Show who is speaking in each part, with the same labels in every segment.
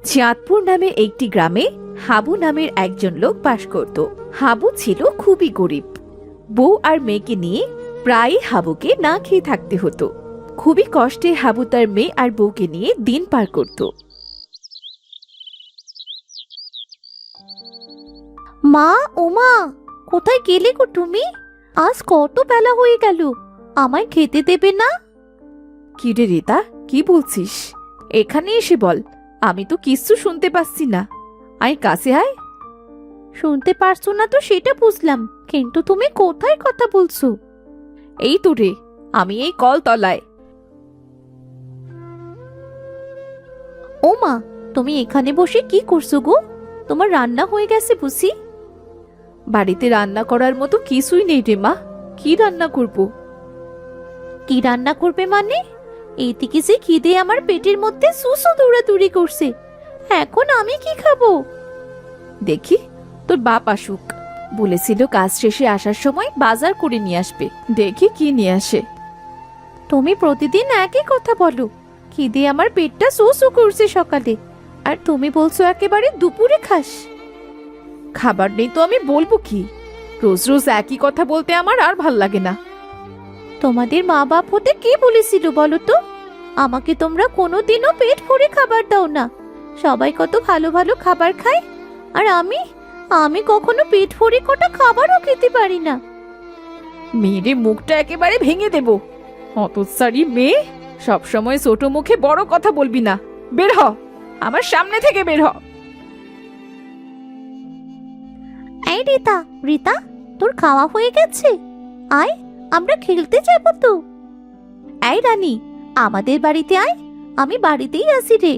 Speaker 1: চাঁদপুর নামে একটি গ্রামে হাবু নামের একজন লোক বাস করত। হাবু ছিল খুবই গরিব। বউ আর মেয়েকে নিয়ে প্রায়ই হাবুকে না খেয়ে থাকতে হতো। খুবই কষ্টে হাবু তার মেয়ে আর বউকে নিয়ে দিন পার করত।
Speaker 2: মা, ওমা, কোথায় গেলে গো তুমি? আজ কত বেলা হয়ে গেল, আমায় খেতে দেবে না?
Speaker 1: কি রে রিতা, কি বলছিস? এখানে এসে বল, আমি তো কিচ্ছু শুনতে পাচ্ছি না। আয় কাছে আয়।
Speaker 2: শুনতে পারছো না তো সেটা বুঝলাম, কিন্তু তুমি কোথায় কথা বলছো?
Speaker 1: এই তো রে, আমি এই কল তলায়।
Speaker 2: ওমা, তুমি এখানে বসে কি করছো গো? তোমার রান্না হয়ে গেছে বুঝি?
Speaker 1: বাড়িতে রান্না করার মতো কিছুই নেই রে মা, কি রান্না করব?
Speaker 2: কি রান্না করবে মানে? এইদিকে যে খিদে আমার পেটের মধ্যে সুসু দৌড়াদৌড়ি করছে, এখন আমি কি খাবো?
Speaker 1: দেখি তোর বাপ আসুক, বলেছিল কাজ শেষে আসার সময় বাজার করে নিয়ে আসবে। দেখি কি নিয়ে আসে।
Speaker 2: তুমি প্রতিদিন একই কথা বলো, খিদে আমার পেটটা সুসু করছে সকালে, আর তুমি বলছো একেবারে দুপুরে খাস।
Speaker 1: খাবার নেই তো আমি বলবো কি? রোজ রোজ একই কথা বলতে আমার আর ভাল লাগে না।
Speaker 2: তোমাদের মা বাপ হতে কে বলেছিল বলো তো? আমাকে তোমরা কোনোদিনও পেট ভরে খাবার দাও না। সবাই কত ভালো ভালো খাবার খায়, আর আমি আমি কখনো পেট ভরে কটা খাবারও খেতে পারি না।
Speaker 1: মেয়েরে মুখটা একেবারে ভেঙে দেব। হতচ্ছাড়ি মেয়ে, সবসময় ছোট মুখে বড় কথা বলবি না। বের হ, আমার সামনে থেকে বের হ।
Speaker 2: এই রিতা, রিতা, তোর খাওয়া হয়ে গেছে? আয়, আমরা খেলতে যাবো তো। এই রানী, আমাদের বাড়িতে আয়, আমি বাড়িতেই আছি রে।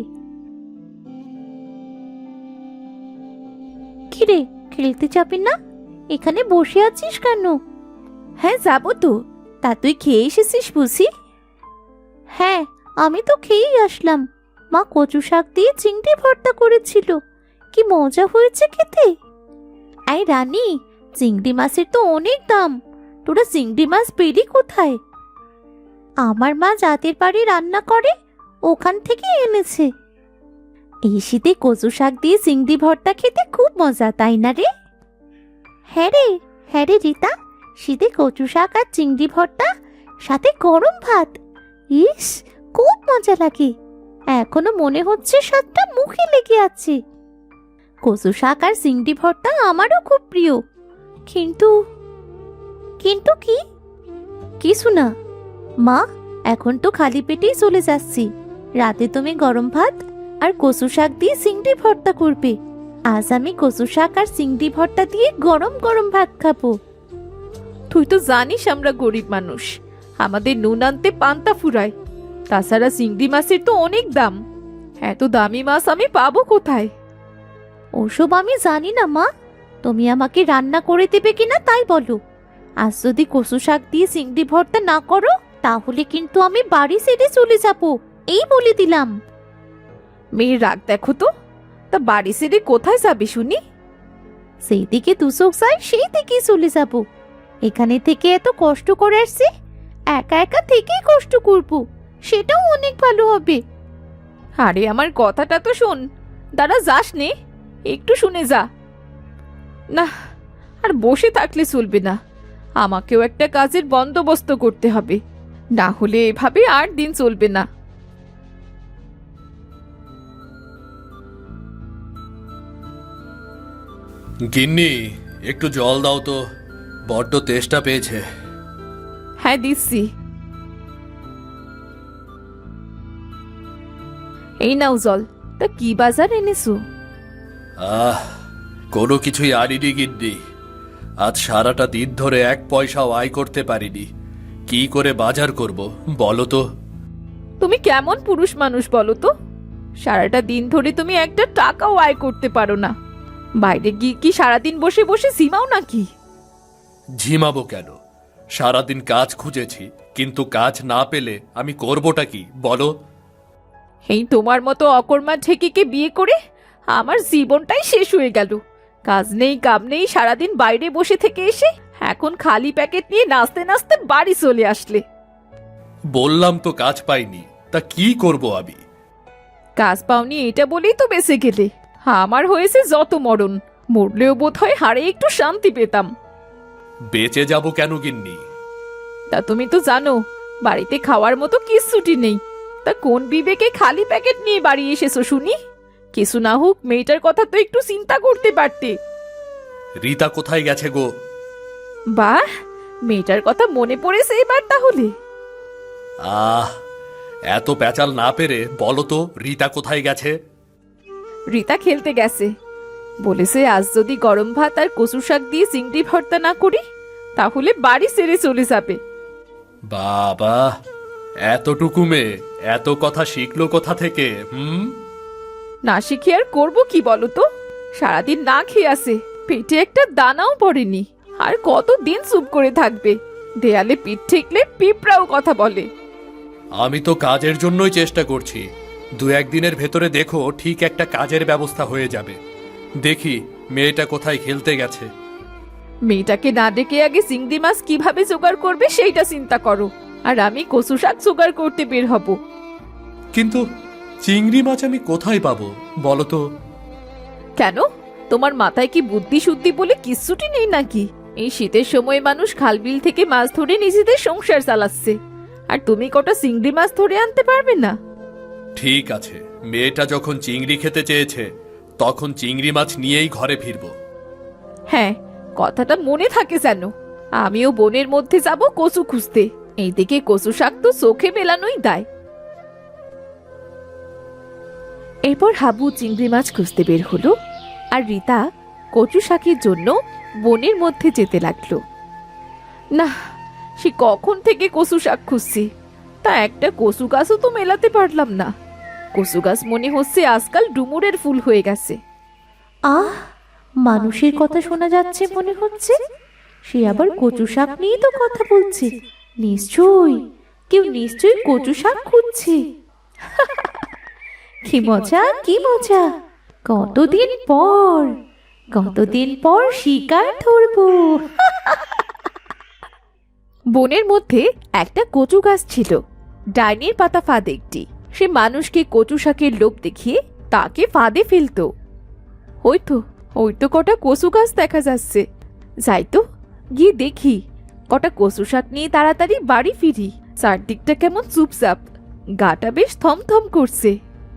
Speaker 2: কি রে, খেলতে যাবি না? এখানে বসে আছিস কেন?
Speaker 1: হ্যাঁ যাবো তো। তা তুই খেয়ে এসেছিস বুঝি?
Speaker 2: হ্যাঁ, আমি তো খেয়েই আসলাম। মা কচু শাক দিয়ে চিংড়ি ভর্তা করেছিল, কি মজা হয়েছে খেতে। এই রানী, চিংড়ি মাছের তো অনেক দাম, তোরা চিংড়ি মাছ পেলি কোথায়? আমার মা জাতের বাড়ি রান্না করে, ওখান থেকে এনেছে। এই শীতে কচু শাক দিয়ে চিংড়ি ভর্তা খেতে খুব মজা, তাই না রে? হ্যাঁ রে, হ্যাঁ রে রিতা, শীতে কচু শাক আর চিংড়ি ভর্তা, সাথে গরম ভাত, ইস, খুব মজা লাগে। এখনো মনে হচ্ছে স্বাদটা মুখে লেগে আছে। কচু শাক আর চিংড়ি ভর্তা আমারও খুব প্রিয়, কিন্তু কিন্তু কি? কিছু না মা, এখন তো খালি পেটেই চলে যাচ্ছি। রাতে তুমি গরম ভাত আর কচু শাক দিয়ে চিংড়ি ভর্তা করবে। আজ আমি কচু শাক আর চিংড়ি ভর্তা দিয়ে গরম গরম ভাত খাবো।
Speaker 1: তুই তো জানিস আমরা গরিব মানুষ, আমাদের নুন আনতে পান্তা ফুরায়। তাছাড়া চিংড়ি মাছের তো অনেক দাম, এত দামি মাছ আমি পাবো কোথায়?
Speaker 2: ওসব আমি জানি না মা, তুমি আমাকে রান্না করে দেবে কিনা তাই বলো। আজ যদি কচু শাক দিয়ে চিংড়ি ভর্তা না করো, তাহলে কিন্তু আমি বাড়ি ছেড়ে চলে যাব, এই বলে দিলাম।
Speaker 1: মেয়ের রাগ দেখো তো, তা বাড়ি ছেড়ে কোথায় যাবে শুনি?
Speaker 2: সেই দিকে দুচোখ যায় সেই দিকেই চলে যাব। এখানে থেকে এত কষ্ট করে আসছি, একা একা থেকেই কষ্ট করব, সেটাও অনেক ভালো হবে।
Speaker 1: আরে আমার কথাটা তো শোন। দাঁড়া, যাস নে, একটু শুনে যা। না, আর বসে থাকলে চলবে না, আমাকেও একটা কাজের বন্দোবস্ত করতে হবে, না হলে এভাবে আর দিন চলবে না।
Speaker 3: গিন্নি, একটু জল দাও তো, বড্ড তেষ্টা পেয়েছে।
Speaker 1: হ্যাঁ দিচ্ছি। এই নাও জল। তা কি বাজার এনেছো?
Speaker 3: কোনো কিছুই আনিনি গিন্নি। আজ সারাটা দিন ধরে এক পয়সাও আয় করতে পারিনি, কি করে বাজার করব বলো তো?
Speaker 1: তুমি কেমন পুরুষ মানুষ বলো তো? সারাটা দিন ধরে তুমি একটা টাকাও আয় করতে পারো না, বাইরে গিয়ে কি সারাদিন বসে বসে ঝিমাও নাকি?
Speaker 3: ঝিমাবো কেন? সারাদিন কাজ খুঁজেছি, কিন্তু কাজ না পেলে আমি করবোটা কি বলো?
Speaker 1: এই তোমার মতো অকর্মা ঢেকিকে বিয়ে করে আমার জীবনটাই শেষ হয়ে গেল। কাজ নেই কাম নেই, সারাদিন বাইরে বসে থেকে এসে এখন খালি প্যাকেট নিয়ে নাচতে নাচতে বাড়ি চলে আসলে।
Speaker 3: বললাম তো কাজ পাইনি, তা কি করব আমি?
Speaker 1: কাজ পাওনি এটা বলেই তো বেঁচে গেলে। আমার হয়েছে যত মরণ, মরলেও বোধ হয় হাড়ে একটু শান্তি পেতাম।
Speaker 3: বেঁচে যাব কেন গিন্নি?
Speaker 1: তা তুমি তো জানো বাড়িতে খাওয়ার মতো কিচ্ছুটি নেই। তা কোন বিবেকে খালি প্যাকেট নিয়ে বাড়ি এসেছো শুনি? কিছু না হোক মেয়েটার কথা তো একটু চিন্তা করতে পারতে।
Speaker 3: রীতা কোথায় গেছে গো?
Speaker 1: বাহ, মেয়েটার কথা মনে পড়েছে এবার তাহলে।
Speaker 3: আহ, এত প্যাচাল না পেরে বলো তো রীতা কোথায় গেছে?
Speaker 1: রীতা খেলতে গেছে, বলেছে আজ যদি গরম ভাত আর কচু শাক দিয়ে চিংড়ি ভর্তা না করি তাহলে বাড়ি ছেড়ে চলে যাবে।
Speaker 3: বাবা, এতটুকু মেয়ে এত কথা শিখলো কোথা থেকে?
Speaker 1: না শিখে আর করবো কি বলো তো? সারাদিন না খেয়ে আসে, পেটে একটা দানাও পড়েনি। আর কতদিন চুপ করে থাকবে? দেয়ালে পিঠ ঠেকলে পিঁপড়াও কথা বলে।
Speaker 3: আমি তো কাজের জন্যই চেষ্টা করছি। 2-1 দিনের ভেতরে দেখো ঠিক একটা কাজের ব্যবস্থা হয়ে যাবে। দেখি মেয়েটা কোথায় খেলতে গেছে।
Speaker 1: মেয়েটাকে না ডেকে আগে চিংড়ি মাছ কিভাবে জোগাড় করবে সেইটা চিন্তা করো, আর আমি কচু শাক জোগাড় করতে বের হব।
Speaker 3: কিন্তু চিংড়ি মাছ আমি কোথায় পাবো বলো তো?
Speaker 1: কেন, তোমার মাথায় কি বুদ্ধি শুদ্ধি বলে কিচ্ছুটি নেই নাকি? এই শীতের সময় মানুষ খালবিল থেকে মাছ ধরে নিজেদের সংসার চালাচ্ছে, আর তুমি কটা চিংড়ি মাছ ধরে আনতে পারবে না?
Speaker 3: ঠিক আছে, মেয়েটা যখন চিংড়ি খেতে চেয়েছে তখন চিংড়ি মাছ নিয়েই ঘরে ফিরবো।
Speaker 1: হ্যাঁ, কথাটা মনে থাকে যেন। আমিও বনের মধ্যে যাব কচু খুঁজতে। এইদিকে কচু শাক তো চোখে মেলানোই দায়। এরপর হাবু চিংড়ি মাছ খুঁজতে বের হলো, আর রীতা কচু শাকের জন্য বনের মধ্যে যেতে লাগলো। না, সে কখন থেকে কচু শাক খুঁজছি, তা একটা কচু গাছও তো মেলাতে পারলাম না। কচু গাছ মনে হচ্ছে আজকাল ডুমুরের ফুল হয়ে গেছে।
Speaker 2: আহ, মানুষের কথা শোনা যাচ্ছে মনে হচ্ছে। সে আবার কচু শাক নিয়ে তো কথা বলছে। নিশ্চয়ই কেউ নিশ্চয়ই কচু শাক খুঁজছে। কি মজা, কি মজা! কতদিন পর শিকার ধরবো।
Speaker 1: বনের মধ্যে একটা কচু গাছ ছিল, ডাইনির পাতা ফাঁদ একটি। সে মানুষকে কচু শাকের লোভ দেখিয়ে তাকে ফাঁদে ফেলতো। ওই তো কটা কচু গাছ দেখা যাচ্ছে। যাই তো, গিয়ে দেখি। কটা কচু শাক নিয়ে তাড়াতাড়ি বাড়ি ফিরি। চারদিকটা কেমন চুপচাপ, গাটা বেশ থমথম করছে।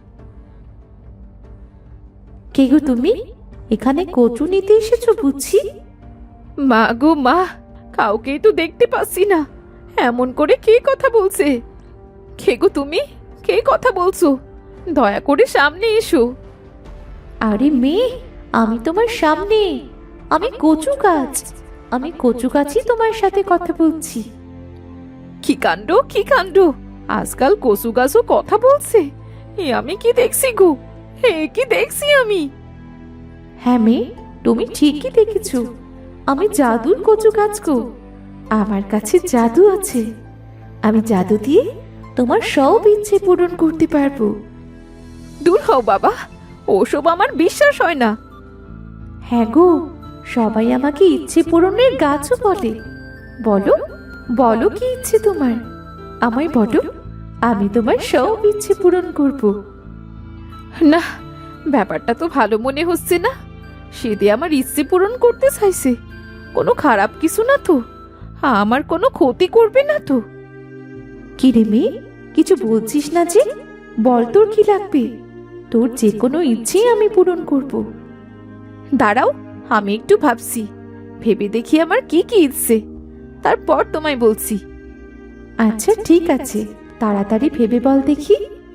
Speaker 2: কে গো তুমি? এখানে কচু নিতে এসেছো বুঝছি?
Speaker 1: মা গো মা, কাউকেই তো দেখতে পাচ্ছি না। এমন করে কে কথা বলছে? কে গো তুমি? কে কথা বলছো? দয়া করে সামনে এসো।
Speaker 2: আরে মেয়ে, আমি তোমার সামনে। আমি কচু গাছই তোমার সাথে কথা বলছি।
Speaker 1: কি কাণ্ড, কি কাণ্ড! আজকাল কচু গাছও কথা বলছে। এ আমি কি দেখছি গো? কি দেখছি আমি?
Speaker 2: হ্যাঁ মেয়ে, তুমি ঠিকই দেখেছো। আমি জাদুর কচু গাছ গো। আমার কাছে জাদু আছে। আমি জাদু দিয়ে তোমার সব ইচ্ছে পূরণ করতে পারবো।
Speaker 1: দূর হও বাবা, ওসব আমার বিশ্বাস হয় না।
Speaker 2: হ্যাঁ গো, সবাই আমাকে ইচ্ছে পূরণের গাছও বলে। বলো বলো, কি ইচ্ছে তোমার? আমায় বলো, আমি তোমার সব ইচ্ছে পূরণ করব।
Speaker 1: না, ব্যাপারটা তো ভালো মনে হচ্ছে না। সে দিয়ে আমার ইচ্ছে পূরণ করতে চাইছে। কোনো খারাপ কিছু না তো? আমার কোনো ক্ষতি করবে না তো?
Speaker 2: কি রে মেয়ে, কিছু বলছিস না যে? বল, তোর কি লাগবে? তোর যে কোনো ইচ্ছে আমি পূরণ করব।
Speaker 1: দাঁড়াও, আমি একটু ভাবছি। ভেবে দেখি আমার কি কি ইচ্ছে, তারপর তোমায় বলছি।
Speaker 2: আচ্ছা ঠিক আছে, তাড়াতাড়ি ভেবে বল দেখি।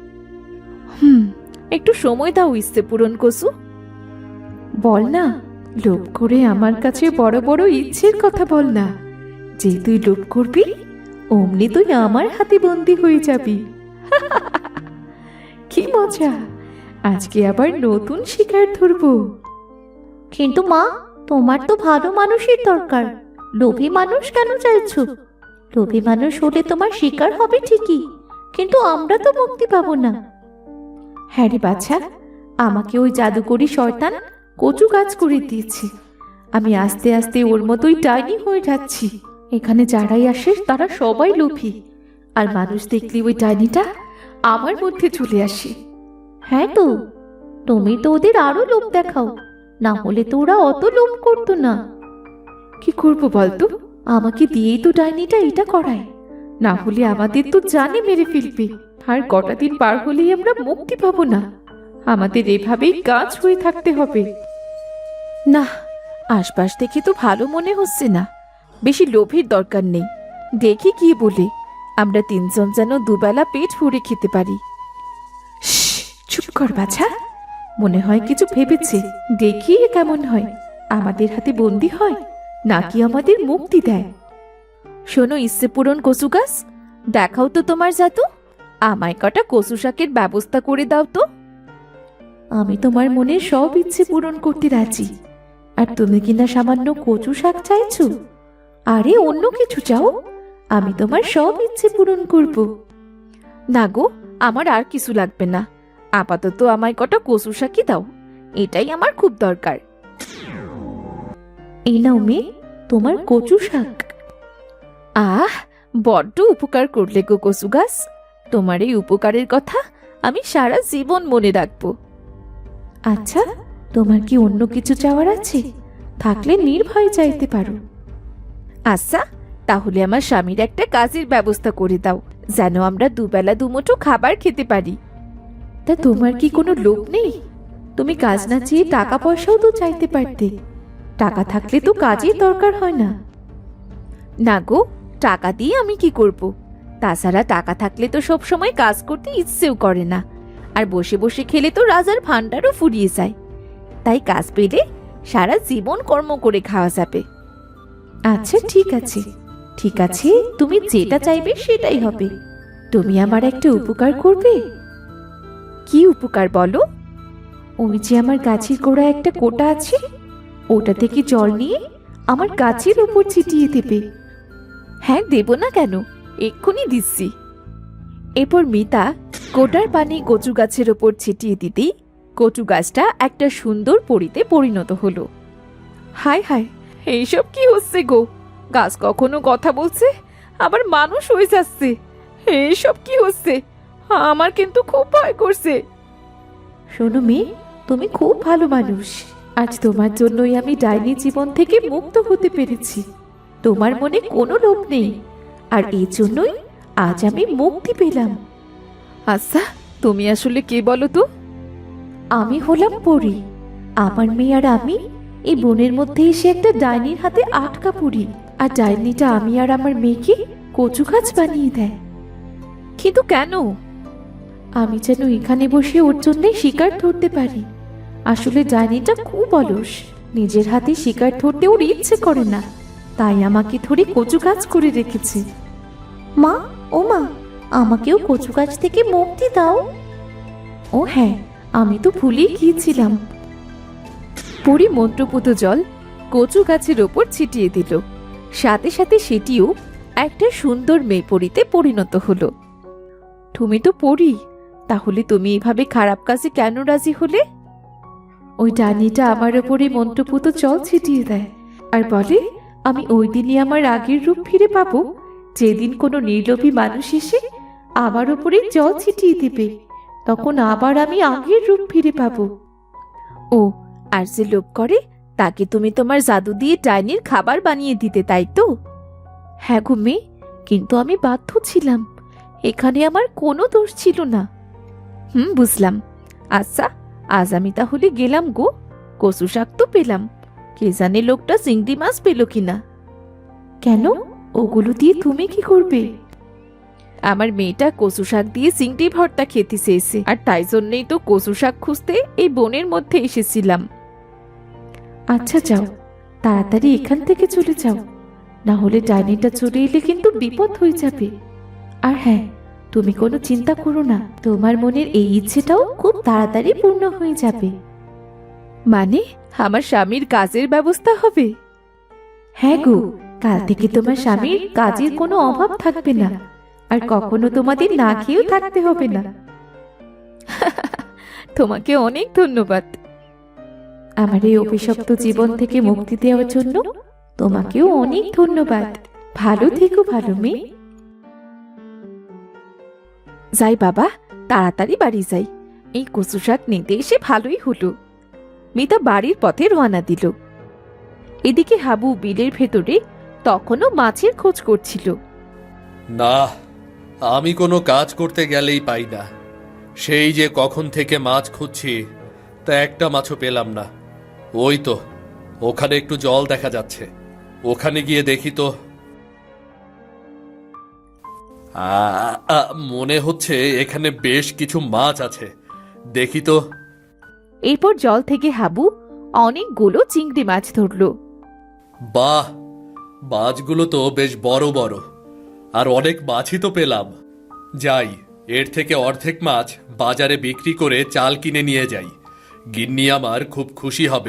Speaker 1: একটু সময় দাও ইচ্ছে পূরণ কচু।
Speaker 2: বল না, লোভ করে আমার কাছে বড় বড় ইচ্ছের কথা বল না। যে তুই লোভ করবি অমনি তুই আমার হাতে বন্দি হয়ে যাবি। কি মজা! আজকে আবার নতুন শিকার ধরবো। কিন্তু মা, তোমার তো ভালো মানুষের দরকার। লোভী মানুষ কেন চাইছো? লোভী মানুষ হলে তোমার শিকার হবে ঠিকই, কিন্তু আমরা তো মুক্তি পাবো না। হ্যাঁ রে বাছা, আমাকে ওই জাদুকরি শয়তান কচু গাছ করে দিয়েছে। আমি আস্তে আস্তে ওর মতোই ডাইনি হয়ে যাচ্ছি। এখানে যারাই আসে তারা সবাই লোভী, আর মানুষ দেখলে ওই ডাইনিটা আমার মধ্যে চলে আসে। হ্যাঁ তো, তুমি তো ওদের আরো লোভ দেখাও, না হলে তো ওরা অত লোভ করতো না।
Speaker 1: কি করব বলতো, আমাকে দিয়েই তো ডাইনিটা এটা করায়, না হলে আমাদের তো জানে মেরে ফেলবে। আর কটা দিন পার হলেই আমরা মুক্তি পাবো না। আমাদের এভাবেই কাজ হয়ে থাকতে হবে। না, আশপাশ থেকে তো ভালো মনে হচ্ছে না। বেশি লোভের দরকার নেই। দেখি কি বলে, আমরা তিনজন যেন দুবেলা পেট ভরে খেতে পারি। শ্শ্, চুপ কর বাছা। মনে হয় কিছু ভেবেছে। দেখি এ কেমন হয়, আমাদের হাতে বন্দি হয় নাকি আমাদের মুক্তি দেয়। শোনো ইচ্ছে পূরণ কচু গাছ, দেখাও তো তোমার জাদু। আমায় কটা কচু শাকের ব্যবস্থা করে দাও তো। আমি তোমার মনের সব ইচ্ছে পূরণ করতে রাজি, আর তুমি কিনা সামান্য কচু শাক চাইছো? আরে অন্য কিছু চাও, আমি তোমার সব ইচ্ছে পূরণ করব। না গো, আমার আর কিছু লাগবে না। আপাতত আমায় কটা কচু শাকই দাও, এটাই আমার খুব দরকার।
Speaker 2: এই নাও মেয়ে, তোমার কচু শাক।
Speaker 1: আহ, বড্ড উপকার করলে গো কচু গাছ। তোমার এই উপকারের কথা আমি সারা জীবন মনে রাখবো।
Speaker 2: আচ্ছা, তোমার কি অন্য কিছু চাওয়ার আছে? থাকলে নির্ভয়ে চাইতে পারো।
Speaker 1: আচ্ছা, তাহলে আমার স্বামীর একটা কাজের ব্যবস্থা করে দাও, যেন আমরা দুবেলা দুমুঠো খাবার খেতে পারি।
Speaker 2: তা তোমার কি কোনো লোভ নেই? তুমি কাজ না চেয়ে টাকা পয়সাও তো চাইতে পারতে। টাকা থাকলে তো কাজের দরকার হয় না।
Speaker 1: না গো, টাকা দিয়ে আমি কি করব? তাছাড়া টাকা থাকলে তো সব সময় কাজ করতে ইচ্ছেও করে না, আর বসে বসে খেলে তো রাজার ভান্ডারও ফুরিয়ে যায়। তাই কাজ পেলে সারা জীবন কর্ম করে খাওয়া যাবে।
Speaker 2: আচ্ছা ঠিক আছে, ঠিক আছে, তুমি যেটা চাইবে সেটাই হবে। তুমি আমার একটা উপকার করবে।
Speaker 1: কি উপকার বলো?
Speaker 2: ওই যে আমার গাছের গোড়ায় একটা কোটা আছে, ওটা থেকে জল নিয়ে আমার গাছের উপর ছিটিয়ে দেবে।
Speaker 1: হ্যাঁ, দেব না কেন, এক্ষুনি দিচ্ছি। এরপর মিতা কোটার পানি কচু গাছের ওপর ছিটিয়ে দিতেই কচু গাছটা একটা সুন্দর পরিতে পরিণত হলো। হায় হায়, এইসব কি হচ্ছে গো? গাছ কখনো কথা বলছে, আবার মানুষ হয়ে যাচ্ছে। এইসব কি হচ্ছে? আমার কিন্তু খুব ভয় করছে।
Speaker 2: শোনো মেয়ে, তুমি খুব ভালো মানুষ। আজ তোমার জন্যই আমি ডাইনি জীবন থেকে মুক্ত হতে পেরেছি। তোমার মনে কোনো লোভ নেই, আর এই জন্যই আজ আমি মুক্তি পেলাম।
Speaker 1: আচ্ছা, তুমি আসলে কে বলো তো?
Speaker 2: আমি হলাম পরী। আমার মেয়ে আর আমি এই বনের মধ্যে এসে একটা ডাইনির হাতে আটকা পড়ি, আর ডাইনিটা আমি আর আমার মেয়েকে কচু গাছ বানিয়ে দেয়।
Speaker 1: কিন্তু কেন?
Speaker 2: আমি যেন এখানে বসে ওর জন্য শিকার ধরতে পারি। আসলে ডাইনিটা খুব অলস, নিজের হাতে শিকার ধরতে ওর ইচ্ছে করে না, তাই আমাকে ধরে কচু গাছ করে রেখেছে। মা, ও মা, আমাকেও কচু গাছ থেকে মুক্তি দাও। ও হ্যাঁ, আমি তো ভুলেই গিয়েছিলাম।
Speaker 1: পরি মন্ত্রপুত জল কচু গাছের ওপর ছিটিয়ে দিল, সাথে সাথে সেটিও একটা সুন্দর মেয়ে পরীতে পরিণত হলো। তুমি তো পরী, তাহলে তুমি এভাবে খারাপ কাজে কেন রাজি হলে?
Speaker 2: ওই ডাইনিটা আমার ওপরে মন্ত্রপুত জল ছিটিয়ে দেয়, আর বলে আমি ওই দিনই আমার আগের রূপ ফিরে পাবো, যেদিন কোনো নির্লোভী মানুষ এসে আমার ওপরে জল ছিটিয়ে দিবে। তখন আবার আমি আগের রূপ ফিরে পাবো।
Speaker 1: ও, আর যে লোভ করে তাকে তুমি তোমার জাদু দিয়ে ডাইনির খাবার বানিয়ে দিতে, তাই তো?
Speaker 2: হ্যাঁ গো মেয়ে, কিন্তু আমি বাধ্য ছিলাম। এখানে আমার কোনো দোষ ছিল না।
Speaker 1: বুঝলাম। আচ্ছা, আজ আমি তাহলে গেলাম গো। কচু শাক তো পেলাম, কে জানে লোকটা চিংড়ি মাছ পেল কিনা।
Speaker 2: কেন, ওগুলো দিয়ে তুমি কি করবে?
Speaker 1: আমার মেয়েটা কচু শাক দিয়ে চিংড়ি ভর্তা খেতে চেয়েছে, আর তাই জন্যই তো কচু শাক খুঁজতে এই বনের মধ্যে এসেছিলাম।
Speaker 2: আচ্ছা যাও, তাড়াতাড়ি এখান থেকে চলে যাও, না হলে ডাইনিটা চলে এলে কিন্তু বিপদ হয়ে যাবে। আর হ্যাঁ, তুমি কোনো চিন্তা করো না, তোমার মনের এই ইচ্ছেটাও খুব তাড়াতাড়ি পূর্ণ হয়ে যাবে।
Speaker 1: মানে আমার স্বামীর কাজের ব্যবস্থা হবে?
Speaker 2: হ্যাঁ গো, কাল থেকে তোমার স্বামীর কাজের কোনো অভাব থাকবে না, আর কখনো তোমাদের না খেয়েও থাকতে হবে না।
Speaker 1: তোমাকে অনেক ধন্যবাদ।
Speaker 2: আমার এই অভিশপ্ত জীবন থেকে মুক্তি দেওয়ার জন্য তোমাকেও অনেক ধন্যবাদ। ভালো থেকো ভালো মেয়ে।
Speaker 1: যাই বাবা, তাড়াতাড়ি বাড়ি যাই। এই কচু শাক নিতে এসে ভালোই হলো। মিতা বাড়ির পথে রওনা দিল। এদিকে হাবু বিলের ভেতরে তখনও মাছের খোঁজ করছিল।
Speaker 3: না, আমি কোনো কাজ করতে গেলেই পাই না। সেই যে কখন থেকে মাছ খুঁজছি, তা একটা মাছও পেলাম না। ওই তো ওখানে একটু জল দেখা যাচ্ছে, ওখানে গিয়ে দেখি তো। মনে হচ্ছে এখানে বেশ কিছু মাছ আছে, দেখি তো।
Speaker 1: এরপর জল থেকে হাবু অনেকগুলো চিংড়ি মাছ ধরলো।
Speaker 3: বাহ, মাছগুলো তো বেশ বড় বড়, আর অনেক মাছই তো পেলাম। যাই, এর থেকে অর্ধেক মাছ বাজারে বিক্রি করে চাল কিনে নিয়ে যাই। গিন্নি আমার খুব খুশি হবে।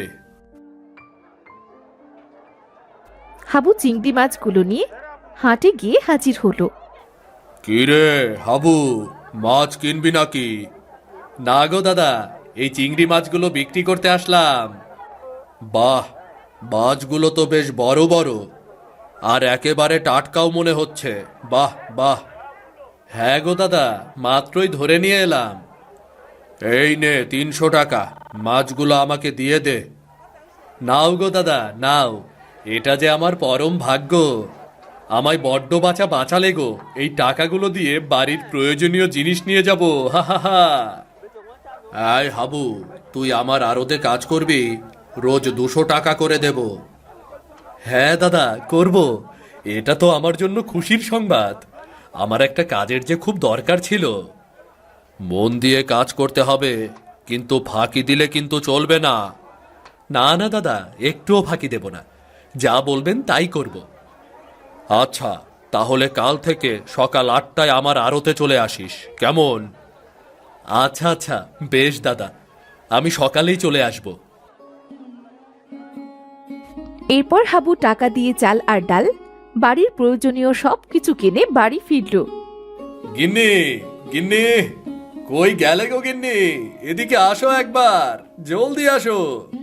Speaker 1: হাবু চিংড়ি মাছগুলো নিয়ে হাটে গিয়ে হাজির হলো।
Speaker 3: কি রে হাবু, মাছ কিনবি নাকি? না গো দাদা, এই চিংড়ি মাছগুলো বিক্রি করতে আসলাম। বাহ, মাছগুলো তো বেশ বড় বড়, আর একেবারে টাটকাও মনে হচ্ছে। বাহ বাহ। হ্যাঁ গো দাদা, মাত্রই ধরে নিয়ে এলাম। এই নে 300 টাকা, মাছগুলো আমাকে দিয়ে দে। নাও গো দাদা নাও, এটা যে আমার পরম ভাগ্য। আমায় বড্ড বাঁচালে গো, এই টাকাগুলো দিয়ে বাড়ির প্রয়োজনীয় জিনিস নিয়ে যাব। হা হা হা। আয় হাবু, তুই আমার আড়তে কাজ করবি, রোজ 200 টাকা করে দেব। হ্যাঁ দাদা, করব। এটা তো আমার জন্য খুশির সংবাদ। আমার একটা কাজের যে খুব দরকার ছিল। মন দিয়ে কাজ করতে হবে, কিন্তু ফাঁকি দিলে কিন্তু চলবে না। না না দাদা, একটুও ফাঁকি দেব না, যা বলবেন তাই করব। আচ্ছা, তাহলে কাল থেকে সকাল 8টায় আমার আড়তে চলে আসিস, কেমন? আচ্ছা আচ্ছা, বেশ দাদা, আমি সকালেই চলে আসব।
Speaker 1: এরপর হাবু টাকা দিয়ে চাল আর ডাল, বাড়ির প্রয়োজনীয় সবকিছু কিনে বাড়ি ফিরল।
Speaker 3: গিন্নি, গিন্নি, কই গেলে গো গিন্নি? এদিকে আসো একবার, জলদি আসো।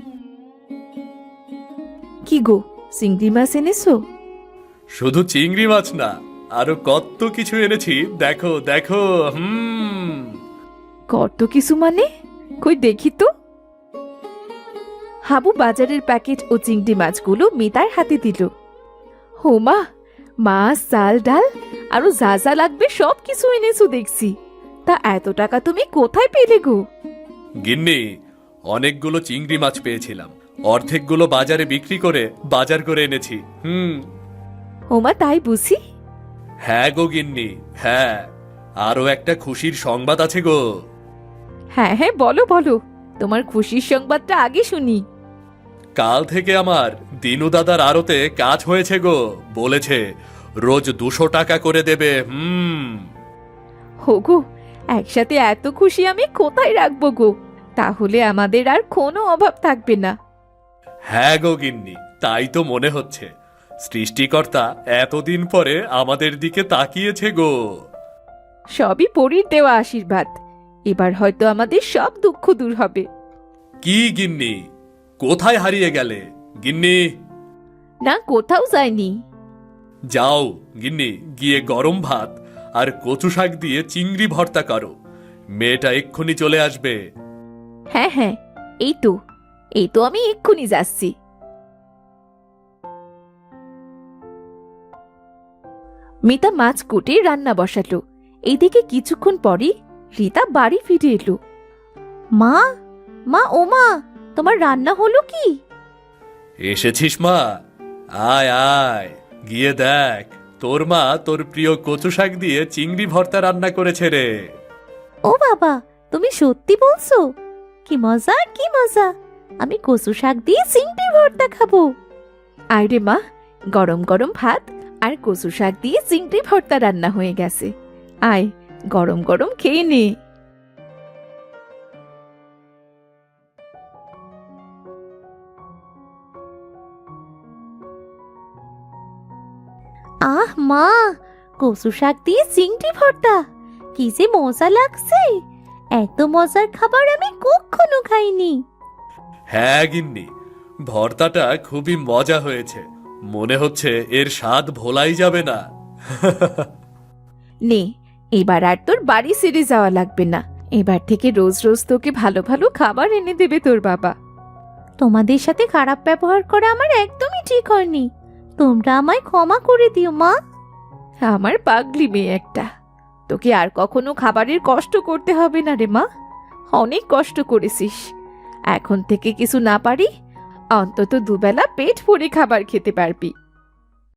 Speaker 1: কি গো, চিংড়ি মাছ এনেছো?
Speaker 3: শুধু চিংড়ি মাছ না, আরো কত কিছু এনেছি, দেখো দেখো।
Speaker 1: কত কিছু মানে? কই দেখি তো। হাবু বাজারের প্যাকেট ও চিংড়ি মাছগুলো মিতার হাতে দিল। হোমা, মাছ, চাল, ডাল আরো যা যা লাগবে সব কিছু এনেছো দেখছি। তা এত টাকা তুমি কোথায় পেলে গো?
Speaker 3: গিন্নি, অনেকগুলো চিংড়ি মাছ পেয়েছিলাম, অর্ধেকগুলো বাজারে বিক্রি করে বাজার করে এনেছি।
Speaker 1: হোমা, তাই বুঝি?
Speaker 3: হ্যাঁ গো গিন্নি, হ্যাঁ। আরো একটা খুশির সংবাদ আছে গো।
Speaker 1: হ্যাঁ হ্যাঁ, বলো বলো, তোমার খুশির সংবাদটা আগে শুনি।
Speaker 3: কাল থেকে আমার দিনু দাদার আড়তে কাজ হয়েছে গো, বলেছে রোজ 200 টাকা করে দেবে।
Speaker 1: হোগো, একসাথে এত খুশি আমি কোথায় রাখবো গো? তাহলে আমাদের আর কোনো অভাব থাকবে না।
Speaker 3: হ্যাঁ গো গিন্নি, তাই তো মনে হচ্ছে। সৃষ্টিকর্তা এতদিন পরে আমাদের দিকে তাকিয়েছে গো।
Speaker 1: সবই পরীর দেওয়া আশীর্বাদ। এবার হয়তো আমাদের সব দুঃখ দূর হবে।
Speaker 3: কি গিন্নি, কোথায় হারিয়ে গেলে গিন্নি?
Speaker 1: না, কোথাও যায়নি।
Speaker 3: যাও গিন্নি, গিয়ে গরম ভাত আর কচু শাক দিয়ে চিংড়ি ভর্তা করো। মেয়েটা এক্ষুনি চলে আসবে।
Speaker 1: হ্যাঁ হ্যাঁ, এই তো আমি এক্ষুনি যাচ্ছি। মিতা মাছ কুটে রান্না বসালো। এইদিকে কিছুক্ষণ পরই রীতা বাড়ি ফিরে এলো।
Speaker 2: মা, মা, ও মা, তোমার রান্না হলো কি?
Speaker 3: এসেছিস মা? আয় আয়, গিয়ে দেখ, তোর মা তোর প্রিয় কচু শাক দিয়ে চিংড়ি ভর্তা রান্না করেছে রে।
Speaker 2: ও বাবা, তুমি সত্যি বলছো? কি মজা, কি মজা! আমি কচু শাক দিয়ে চিংড়ি ভর্তা খাবো।
Speaker 1: আয় রে মা, গরম গরম ভাত আর কচু শাক দিয়ে চিংড়ি ভর্তা রান্না হয়ে গেছে। আয়, গরম গরম খেয়ে নে।
Speaker 2: আহ মা, কচু শাক দিয়ে চিংড়ি ভর্তা, কি যে মজা লাগছে! এত মজার খাবার আমি কখনো খাইনি।
Speaker 3: হ্যাঁ গিন্নি, ভর্তাটা খুবই মজা হয়েছে। মনে হচ্ছে এর স্বাদ ভোলাই যাবে না।
Speaker 1: নে, এবার আর তোর বাড়ি ছেড়ে যাওয়া লাগবে না। এবার থেকে রোজ রোজ তোকে ভালো ভালো খাবার এনে দেবে তোর বাবা।
Speaker 2: তোমাদের সাথে খারাপ ব্যবহার করা আমার একদমই ঠিক হয়নি। তোমরা আমায় ক্ষমা করে দিও মা।
Speaker 1: আমার পাগলি মেয়ে একটা। তোকে আর কখনো খাবারের কষ্ট করতে হবে না রে মা। অনেক কষ্ট করেছিস। এখন থেকে কিছু না পারি অন্তত দুবেলা পেট ভরে খাবার খেতে পারবি।